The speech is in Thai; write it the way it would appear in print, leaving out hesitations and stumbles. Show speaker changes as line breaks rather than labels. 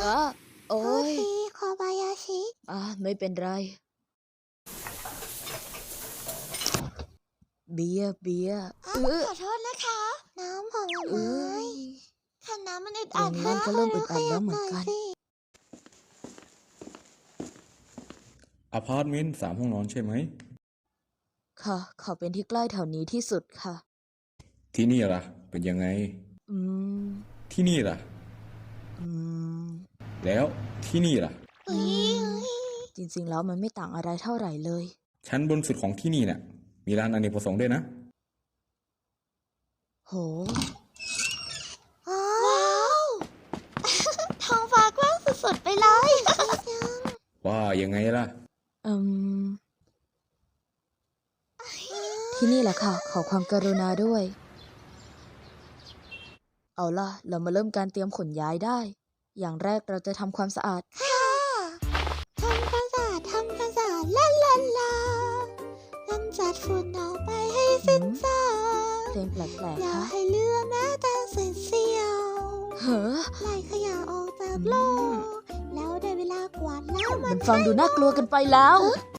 อ่ะโอ้
โทษ
ย
ทีโคบายาชิ
ไม่เป็นไร เบียร์เบียร์
ขอโทษนะคะ น้ำผล
เอ้
ไม้
ย
ค่ะน้ำมันอึด
ตร
อัด
งนี้มันก็เริ่มอึดอัดแล้วเหมือน
ข
กัน
ยับหยสิ
อพาร์ตเมนต์3 ห้องนอนใช่ไหม
ค่ะ ขอเป็นที่ใกล้แถวนี้ที่สุดค่ะ
ที่นี่ล่ะ เป็นยังไง
อืม
ที่นี่ล่ะ
อืม
แล้วที่นี่ล่ะ
เฮ้ย
จริงๆแล้วมันไม่ต่างอะไรเท่าไหร่เลย
ชั้นบนสุดของที่นี่น่ะ มีร้านอเนกประสงค์ด้วยนะ
โห
ว้าวท้องฟ้ากว้างสุดๆไปเลย
ว่ายังไงล่ะ
อืม ที่นี่แหละค่ะ ขอความกรุณาด้วย เอาล่ะ เรามาเริ่มการเตรียมขนย้ายได้ อย่างแรกเราจะทำความสะอาด
ค่ะทำความสะอาดลาลาลากำจัดฝุ่นออกไปให้สิ้นซาก
เพลงแปลก
อย่า
ๆ คะ
ให้เหลือแม้แต่เศษเสี้ยว
เฮ้อ
ไล่ขยะออกจากโลก แล้วได้เวลากวาดล้างมั
มัน นฟังดูน่ากลัวกันไปแล้ว